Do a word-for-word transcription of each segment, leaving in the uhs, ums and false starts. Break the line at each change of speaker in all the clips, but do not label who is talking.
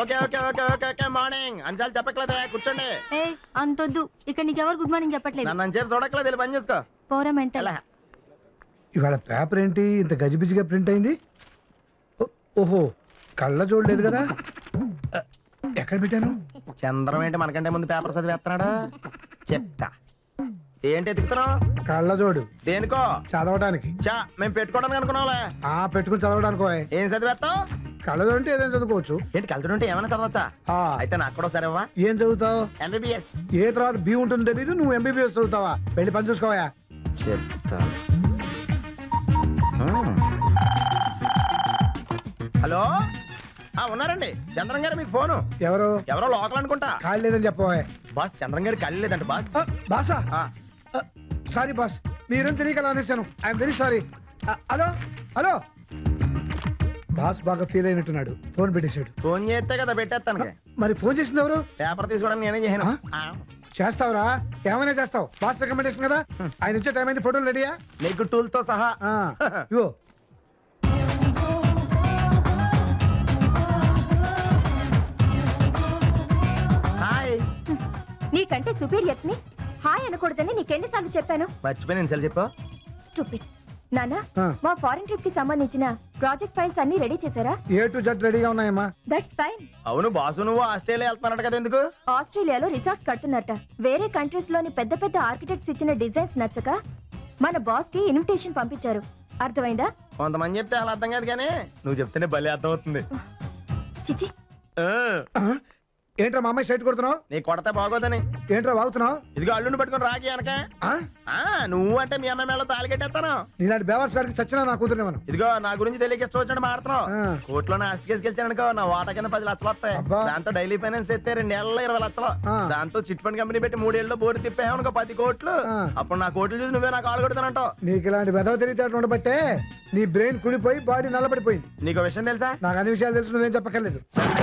Okay okay okay okay okay morning అంచాలు చెప్పట్లేదే కూర్చోండి.
ఏ అంతొద్దు, ఇక్కడ నీకెవరు గుడ్ మార్నింగ్ చెప్పట్లేదు.
నన్ను చెప్పి చూడట్లేదు, వెళ్ళి పని చేసుకో.
పోరా మెంటల్.
ఇవాళ పేపర్ ఏంటి ఇంత గజిబిజిగా ప్రింట్ అయింది? ఓహో, కళ్ళ చూడలేదు కదా. ఎక్కడ పెట్టాను?
చంద్రం ఏంటి మనకంటే ముందు పేపర్ చదివేస్తున్నాడు. చెప్తా ఏంటి ఎత్తుకుతున్నావు?
కళ్ళ జోడు.
దేనికో?
చదవడానికి.
చా మేము పెట్టుకోవడానికి అనుకున్నావులే.
ఆ పెట్టుకుని చదవడానికి.
ఏం చదివేస్తావు?
కళ్ళజోడు అంటే ఏదైనా చదువుకోవచ్చు.
ఏంటి కలుతుంటే ఏమైనా చదవచ్చా? అయితే నాకు కూడా సరేవా?
ఏం చదువుతావు?
ఎంబీబీఎస్.
ఏ తర్వాత బి ఉంటుంది తెలీదు, నువ్వు ఎంబీబీఎస్ చదువుతావా? వెళ్ళి పని చూసుకోవా.
చెప్తా. హలో, ఉన్నారండి చంద్రం గారు, మీకు ఫోను.
ఎవరు?
ఎవరో లోకల్ అనుకుంటా.
ఖాళీ లేదని చెప్పవా.
బాస్ చంద్రం గారు ఖాళీ లేదంట బాస్.
బాసా? సారీ బాస్, మీరేం తెలియక అనేసాను. I'm very sorry. Hello hello. Boss బాగా ఫీల్ అయినట్టున్నాడు, ఫోన్ పెట్టేశాడు.
ఫోన్ చేస్తే కదా పెట్టేస్తాను.
మరి ఫోన్ చేసింది ఎవరు?
పేపర్ తీసుకోవడానికి నేనే చేయను.
చేస్తావురా, ఏమైనా చేస్తావు. బాస్ రికమెండేషన్ కదా. ఆయన వచ్చే టైం అయింది, ఫోటోలు రెడీయా?
నీకు టూల్ తో సహా.
ఇవో.
హాయ్.
నీకంటే సుపీరియర్స్ ని హాయ్ అనకూడదని నీకెన్నిసార్లు చెప్పాను?
మర్చిపోయి నేను సెల్ చెప్పు.
స్టూపిడ్. నానా, మా ఫారెన్ ట్రిప్ కి సంబంధించిన ప్రాజెక్ట్ ఫైల్స్ అన్ని రెడీ చేశారా?
ఏ టు జెడ్ రెడీగా ఉన్నాయమ్మా.
That's fine.
అవును బాసు, నువ్వు ఆస్ట్రేలియా వెళ్తున్నాడు కదా, ఎందుకు?
ఆస్ట్రేలియాలో రిసార్ట్స్ కడుతున్నట్ట. వేరే కంట్రీస్ లోని పెద్ద పెద్ద ఆర్కిటెక్ట్స్ ఇచ్చిన డిజైన్స్ నచ్చక మన బాస్ కి ఇన్విటేషన్ పంపించారు. అర్థమైందా?
కొంతమంది చెప్తే అలా అర్థం కాదు, కానీ నువ్వు చెప్తేనే భలే అర్థం అవుతుంది.
చిచి.
ఏంట్రా మా అమ్మాయి సైట్ కొడుతున్నావు?
నీ కొడతా బాగోదని.
ఏంట్రా వాగుతున్నావు?
ఇదిగో అల్లుండి పట్టుకుని రాకి అనక. నువ్వు అంటే మీ అమ్మాయి మేళ తాళి కట్టేస్తాను.
నీలాంటి బేవర్స్ గారికి చచ్చినా నా కూతురునేమను.
ఇదిగో నా గురించి తెలియక వచ్చినట్టు మాడుతున్నావు. కోర్టులో ఆస్తి కేసు గెలిచానుకో, నా వాటా కింద పది లక్షలు వస్తాయి. దాంతో డైలీ ఫైనాన్స్ ఎత్తే రెండేళ్లలో ఇరవై లక్షలు. దాంతో చిట్ ఫండ్ కంపెనీ పెట్టి మూడేళ్ళు బోర్డు తిప్పామనుకో పది కోట్లు. అప్పుడు నా కోట్లు చూసి నువ్వే నాకు కాలు కొడతానంటావు.
నీకు ఇలాంటి వెదవ తెలియటట్టు ఉండబట్టే నీ బ్రెయిన్ కుడిపోయి బాడీ నల్లబడిపోయింది.
నీకు విషయం తెలుసా?
నాకు అన్ని విషయాలు తెలుసు, నువ్వేం చెప్పక్కర్లేదు.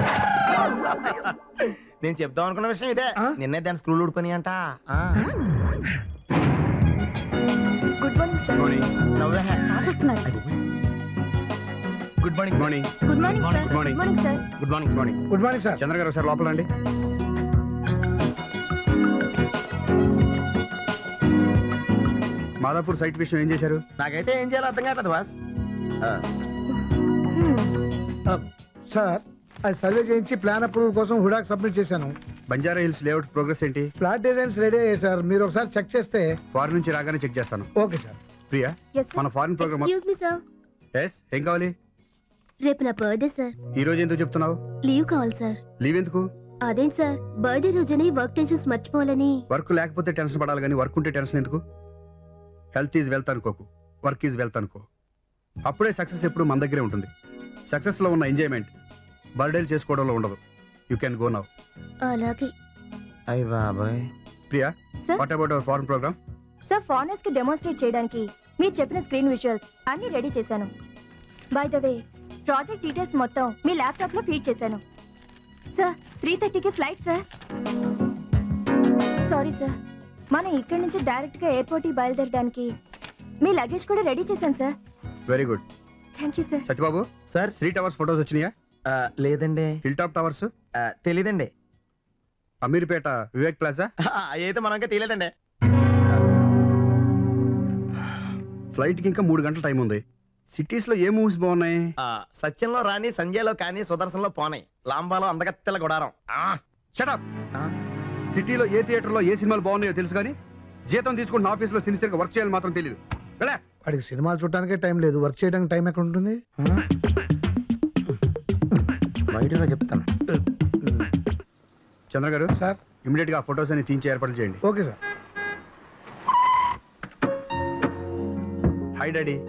నేను చెప్దాం అనుకున్న విషయం ఇదే. నిన్నే దాని స్క్రూలు ఊడుకొని అంట.
Good morning sir.
నవ్వే.
Good morning morning
good morning sir. Good morning sir.
Good morning morning
good morning sir.
Chandra గారు సార్ లోపల రండి. మాదాపూర్ సైట్ విషయం ఏం చేశారు?
నాకైతే ఏం చేయాలో అర్థం కావట్లేదు బాస్.
సార్, అది సర్వే చేయించి ప్లాన్ అప్రూవల్ కోసం హుడాక్ సబ్మిట్ చేశాను.
బంజారా హిల్స్ లేఅవుట్ ప్రోగ్రెస్ ఏంటి?
ఫ్లాట్ డిజైన్స్ రెడీ అయ్యాయి సార్, మీరు ఒకసారి చెక్ చేస్తే.
ఫారెన్ నుంచి రాగానే చెక్ చేస్తాను.
Okay sir.
ప్రియా, మన foreign programme.
Excuse me sir.
Yes, ఏం కావాలి?
రేపు నా బర్త్డే సార్.
ఈ రోజు ఎందుకు చెప్తున్నావు?
లీవ్ కావాలి సార్.
లీవ్ ఎందుకు?
అదేంటి సార్, బర్త్డే రోజని వర్క్ టెన్షన్స్ మర్చిపోవాలని.
వర్క్ లేకపోతే టెన్షన్ పడాలి, కానీ వర్క్ ఉంటే టెన్షన్ ఎందుకు? హెల్త్ ఈజ్ వెల్త్ అనుకోకు, వర్క్ ఈజ్ వెల్త్ అనుకో. అప్పుడే సక్సెస్ ఎప్పుడు మన దగ్గరే ఉంటుంది. సక్సెస్ లో ఉన్న ఎంజాయ్మెంట్ బర్త్డేలు చేసుకోవడంలో ఉండదు. You can go now.
అలాగే.
అయ్య బాబాయ్.
Priya,
Sir?
What about our foreign programme?
Sir, foreigners కి డెమోన్స్ట్రేట్ చేయడానికి మీరు చెప్పిన స్క్రీన్ విజువల్స్ అన్ని రెడీ చేశాను. By the way, project details మొత్తం మీ ల్యాప్టాప్ లో ఫీడ్ చేశాను. సార్, త్రీ థర్టీకి ఫ్లైట్ సార్. సారీ సార్, మనం ఇక్కడి నుంచి డైరెక్ట్ గా ఎయిర్పోర్ట్ కి బయలుదేరడానికి మీ లగేజ్ కూడా రెడీ చేశాను sir.
Very good.
Thank you sir.
Satyababu
sir.
Three towers photos వచ్చినాయా?
లేదండి.
Hill top towers?
తెలీదండి.
అమీర్పేట వివేక్ ప్లాజా?
అయితే మనం ఇంకా తెలియదండి.
ఫ్లైట్ కి ఇంకా మూడు గంటల టైం ఉంది. సిటీస్ లో ఏ మూవీస్ బాగున్నాయి?
సత్యంలో రాని, సంజయ్లో కానీ, సుదర్శన్లో పోనాయి, లాంబాలో అందగత్తెల గుడారం.
షటప్. సిటీలో ఏ థియేటర్ లో ఏ సినిమాలు బాగున్నాయో తెలుసు, కానీ జీతం తీసుకుంటున్న ఆఫీస్ లో సిన్సియర్ గా వర్క్ చేయాలి మాత్రం తెలియదు.
వాడికి సినిమాలు చూడటానికే టైం లేదు, వర్క్ చేయడానికి టైం ఎక్కడ ఉంటుంది?
బయటలో చెప్తాను.
చంద్ర గారు
సార్,
ఇమీడియట్ గా ఫొటోస్ అని తీయించి ఏర్పాటు చేయండి.
Okay sir.
Hi daddy.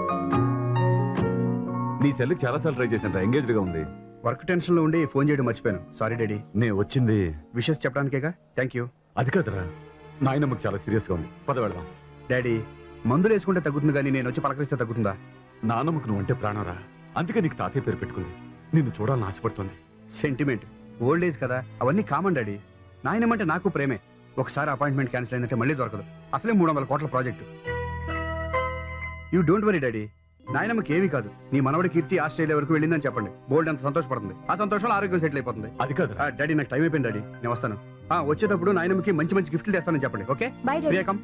నీ సెల్కి చాలా సార్లు ట్రై చేశాను, ఎంగేజ్డ్ గా ఉంది.
వర్క్ టెన్షన్ లో ఉండి ఫోన్ చేయడం మర్చిపోయాను, సారీ డాడీ.
నేను వచ్చింది
విషెస్ చెప్పడానికేగా. Thank you.
అది కాదురా, నాయనమ్మకి చాలా సీరియస్ గా ఉంది, పద వెళదాం.
డాడీ, మందులు వేసుకుంటే తగ్గుతుంది, కానీ నేను వచ్చి పలకరిస్తే తగ్గుతుందా?
నానమ్మకు నువ్వు అంటే ప్రాణరా, అందుకే నీకు తాతయ్య పేరు పెట్టుకుంది. నిన్ను చూడాలని ఆశపడుతుంది.
సెంటిమెంట్, ఓల్డ్ ఏజ్ కదా, అవన్నీ కామన్ డాడీ. నాయనమంటే నాకు ప్రేమే. ఒకసారి అపాయింట్మెంట్ క్యాన్సిల్ అయిందంటే మళ్ళీ దొరకదు. అసలే మూడు వందల కోట్ల project. You don't worry daddy, నాయనమ్మకి ఏమీ కాదు. నీ మనవడి కీర్తి ఆస్ట్రేలియా వరకు వెళ్ళిందని చెప్పండి. బోల్డ్ అంత సంతోషపడుతుంది. ఆ సంతోషంలో ఆరోగ్యం సెటిల్ అయిపోతుంది.
అది కాదు
ఆ, డాడీ నాకు టైం అయిపోయింది డాడీ, నేను వస్తాను. ఆ, వచ్చేటప్పుడు నాయనమ్మకి మంచి మంచి గిఫ్ట్లు తెస్తానని చెప్పండి. Okay
bye daddy.
వివేకం.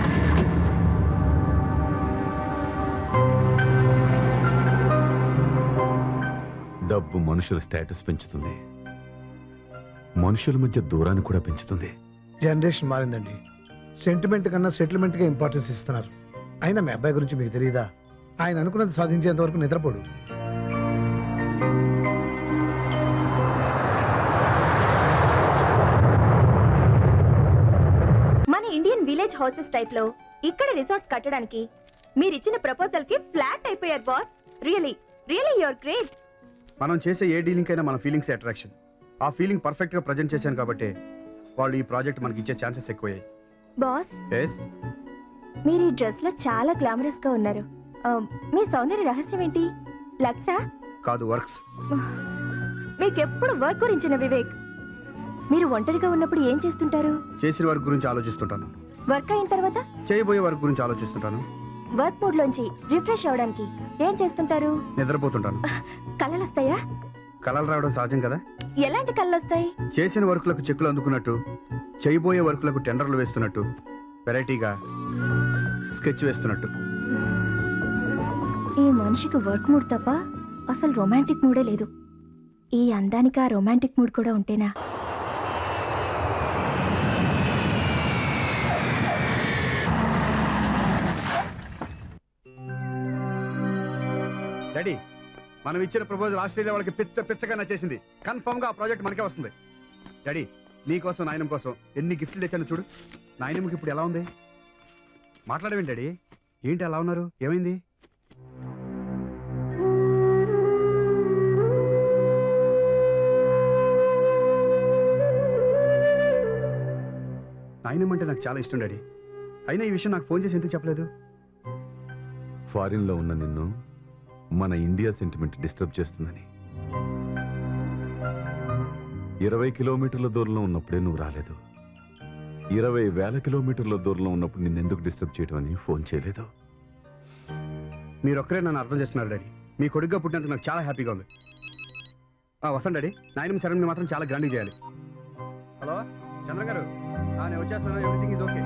డబ్బు మనుషుల స్టేటస్ పెంచుతుంది, మనుషుల మధ్య దూరాన్ని కూడా పెంచుతుంది.
జనరేషన్ మారిందండి. సెంటిమెంట్ కన్నా సెటిల్మెంట్ గా ఇంపార్టెన్స్ ఇస్తున్నారు. అయినా మీ అబ్బాయి గురించి మీకు తెలియదా? ఆయన అనుకున్నది సాధించేంత వరకు నిద్రపోడు.
మన ఇండియన్ విలేజ్ హౌసెస్ టైప్ లో ఇక్కడ రిసార్ట్స్ కట్టడానికి మీరిచ్చిన ప్రపోజల్ కి ఫ్లాట్ అయిపోయారు boss. Really really you are great.
మనం చేసే ఏ డీలింగ్ అయినా మన ఫీలింగ్స్ అట్రాక్షన్. ఆ ఫీలింగ్ పర్ఫెక్ట్ గా ప్రజెంట్ చేశాను కాబట్టి వాళ్ళు ఈ ప్రాజెక్ట్ మనకి ఇచ్చే ఛాన్సెస్ ఎక్కువయ్యాయి.
బాస్,
ఎస్,
మీరు ఈ డ్రెస్ లో చాలా గ్లామరస్ గా ఉన్నారు. ఆ, మీ సౌందర్య రహస్యం ఏంటి? లక్సా?
కాదు, వర్క్స్.
మీకెప్పుడు వర్క్ గురించిన వివేక్. మీరు ఒంటరిగా ఉన్నప్పుడు ఏం చేస్తుంటారు?
చేసిన వర్క్ గురించి ఆలోచిస్తుంటాను.
వర్క్ అయిన తర్వాత
చేయబోయే వర్క్ గురించి ఆలోచిస్తుంటాను.
వర్క్ మూడ్ లోంచి రిఫ్రెష్ అవడానికి ఏం చేస్తుంటారు?
నిద్రపోతుంటాను.
కలలు వస్తాయా?
కలలు రావడం సహజం కదా.
ఎలాంటి కళ్ళు వస్తాయి?
చేసిన వర్క్లకు చెక్కులు అందుకున్నట్టు, చేయబోయే వర్క్లకు టెండర్లు వేస్తున్నట్టు, వెరైటీగా స్కెచ్ వేస్తున్నట్టు.
ఈ మనిషికి వర్క్ మూడ్ తప్ప అసలు రొమాంటిక్ మూడే లేదు. ఈ అందానికి ఆ రొమాంటిక్ మూడ్ కూడా ఉంటేనా?
డాడీ, మనం ఇచ్చిన ప్రపోజల్ ఆస్ట్రేలియా వాళ్ళకి పిచ్చ పిచ్చగా నచ్చేసింది. కన్ఫర్మ్ గా ఆ ప్రాజెక్ట్ మనకే వస్తుంది. డాడీ, నీకోసం నాయనం కోసం ఎన్ని గిఫ్ట్లు తెచ్చాను చూడు. నాయనమ్మకి ఇప్పుడు ఎలా ఉంది? మాట్లాడవేంటి డాడీ? ఏంటి అలా ఉన్నారు? ఏమైంది? నాయనమ్మ అంటే నాకు చాలా ఇష్టం డాడీ. అయినా ఈ విషయం నాకు ఫోన్ చేసి ఎందుకు చెప్పలేదు?
ఫారిన్ లో ఉన్న నిన్ను మన ఇండియా సెంటిమెంట్ డిస్టర్బ్ చేస్తుందని. ఇరవై కిలోమీటర్ల దూరంలో ఉన్నప్పుడే నువ్వు రాలేదు. ఇరవై వేల కిలోమీటర్ల దూరంలో ఉన్నప్పుడు నిన్నెందుకు డిస్టర్బ్ చేయడం అని ఫోన్ చేయలేదు.
మీరొక్కరే నన్ను అర్థం చేస్తున్నారు డాడీ. మీ కొడుగ్గా పుట్టినందుకు నాకు చాలా హ్యాపీగా ఉంది. వస్తాను డాడీ. నాయనమ్మ సెరమనీ మాత్రం చాలా గ్రాండ్గా చేయాలి. హలో చంద్ర గారు, నేను వచ్చేస్తున్నాను. Everything is okay.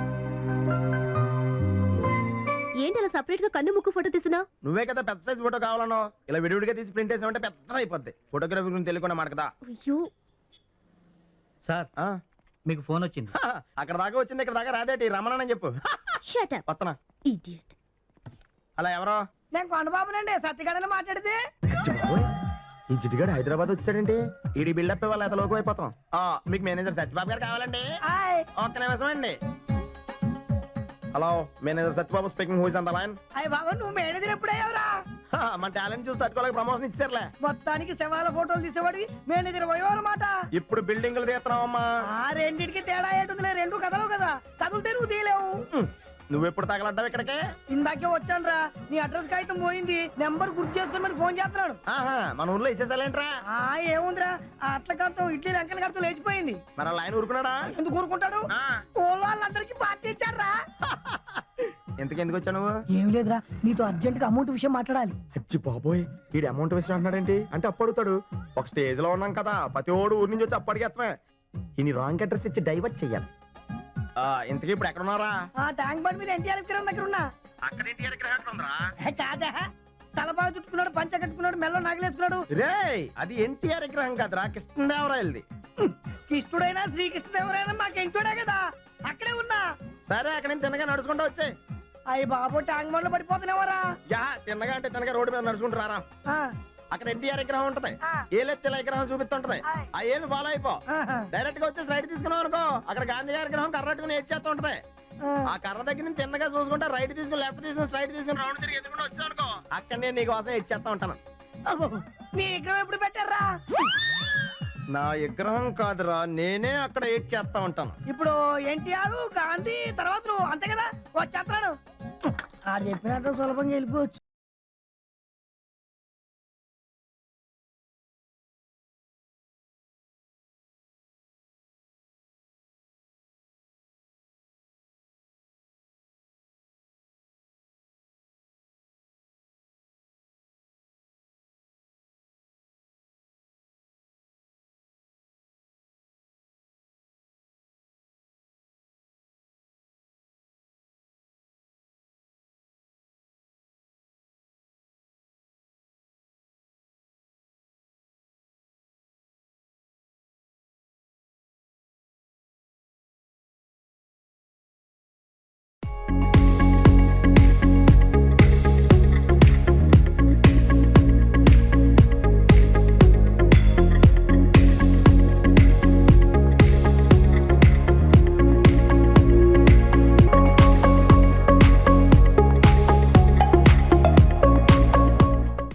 ఏంటి అలా సపరేట్ గా కన్ను ముక్కు ఫోటో తీస్తున్నా?
నువ్వే కదా పెద్ద సైజ్ ఫోటో కావాలనో. ఇలా విడివిడిగా తీసి ప్రింట్ వేసామంటే పెద్ద అయిపోద్ది. ఫోటోగ్రఫీ గురించి తెలియకుండా మనకదా.
అయ్యో
సార్,
ఆ,
మీకు ఫోన్ వచ్చింది.
హా, అక్కడ దాకా వచ్చింది, ఇక్కడ దాకా రాదేటి. రమణని చెప్పు.
షట్ అప్
వత్తనా.
ఇడియట్.
అలా ఎవరో
నేను కొండబాబునండి, సత్యగాడని మాట్లాడితే.
ఈ జిడ్డుగాడు హైదరాబాద్ వచ్చాడండి. ఈడి బిల్డప్ ఇవ్వాలి, ఎంత లోకం అయిపోతాం. ఆ, మీకు మేనేజర్ సత్యబాబు గారు కావాలండి.
హాయ్
ఒక్క నిమిషం అండి. Hello, manager Satyababu speaking. Who is on the line?
అయ్య బాబా, నువ్వు మేనేజర్ ఎప్పుడయ్యావురా?
మన టాలెంట్ చూసి తట్టుకోలేక ప్రమోషన్ ఇచ్చారులే.
మొత్తానికి శవాల ఫోటోలు తీసేవాడివి మేనేజర్ పోయావు అనమాట.
ఇప్పుడు బిల్డింగ్లు తీస్తున్నావమ్మా.
ఆ రెండింటికి తేడా ఏంటుందిలే, రెండు కథలు కదా. తగులుతే నువ్వు తీయలేవు.
నువ్వెప్పుడు తగలడ్డావు ఇక్కడికి?
ఇందాకే వచ్చానురా, నీ అడ్రస్ కాగితం పోయింది. నెంబర్ గుర్తు చేసుకుని ఫోన్ చేస్తున్నాను.
ఆహా, మన ఊర్లో ఇచ్చేసాలేంట్రా?
ఆ ఏముందిరా, ఆ అట్ల కడతాం ఇడ్లీ లంకల కడతాం లేచిపోయింది.
మన లైన్ ఊరుకున్నాడా?
ఎందుకు ఊరుకుంటాడు?
ఆ,
ఊళ్ళో వాళ్ళందరికీ పార్టీ ఇచ్చారా?
ఎందుకు ఎందుకు వచ్చా నువ్వు?
ఏం లేదురా, నీతో అర్జెంట్ గా అమౌంట్ విషయం మాట్లాడాలి.
అచ్చి బాబోయ్, వీడి అమౌంట్ వేసిన అంటున్నాడేంటి? అంటే అప్పు అడుగుతాడు. ఒక స్టేజ్ లో ఉన్నాం కదా, ప్రతి ఓడు ఊరి నుంచి వచ్చి అప్పు అడిగేస్తామే. ఈ రాంగ్ అడ్రస్ ఇచ్చి డైవర్ట్ చెయ్యాలి. ఆ, ఇంతకీ ఇప్పుడు ఎక్కడ ఉన్నారా?
ఆ ట్యాంక్ బండ్ మీద ఎన్టీఆర్ విగ్రహం దగ్గర ఉన్నా.
అక్కడ ఇంటి విగ్రహం ఉందిరా.
ఏ కాదా, తలపాగా చుట్టుకున్నాడు, పంచ కట్టుకున్నాడు, మెల్లో నాగలేసుకున్నాడు.
రేయ్, అది ఎన్టీఆర్ విగ్రహం కాదురా, కృష్ణదేవరాయలది.
కృష్ణుడైనా శ్రీకృష్ణదేవరైనా మాకెంటోడే కదా, అక్కడే ఉన్నా.
సరే, అక్కడ నుంచి తిన్నగా నడుచుకుంటూ వచ్చాయి.
అయ్యి బాబు, ట్యాంక్ బండ్లో పడిపోతున్నావరా?
యా, తిన్నగా అంటే తిన్నగా రోడ్డు మీద నడుచుకుంటూ రారా. అక్కడ ఎన్టీఆర్ విగ్రహం ఉంటది. ఏలెత్తిల విగ్రహం చూపిస్తుంటది. ఆ ఏళ్ళు ఫాలో అయిపో. డైరెక్ట్ గా వచ్చేసి రైట్ తీసుకున్నావు అనుకో, అక్కడ గాంధీ గారి విగ్రహం కర్ర పట్టుకుని ఏడ్ చేస్తూ ఉంటది. ఆ కర్ర దగ్గర నుంచి తిన్నగా చూసుకుంటే రైట్ తీసుకుని లెఫ్ట్ తీసుకుని స్ట్రైట్ తీసుకుని రౌండ్ తిరిగి ఎదుగుండా వచ్చావు అనుకో, అక్కడ నేను నీకు కోసం ఏడ్ చేస్తా ఉంటాను.
మీ విగ్రహం ఎప్పుడు పెట్టారా?
నా విగ్రహం కాదురా, నేనే అక్కడ ఏడ్ చేస్తా ఉంటాను.
ఇప్పుడు ఎన్టీఆర్ గాంధీ తర్వాత నువ్వు, అంతే కదా? వచ్చేస్తున్నాను. ఆ చెప్పినట్టు సులభంగా వెళ్ళిపోవచ్చు.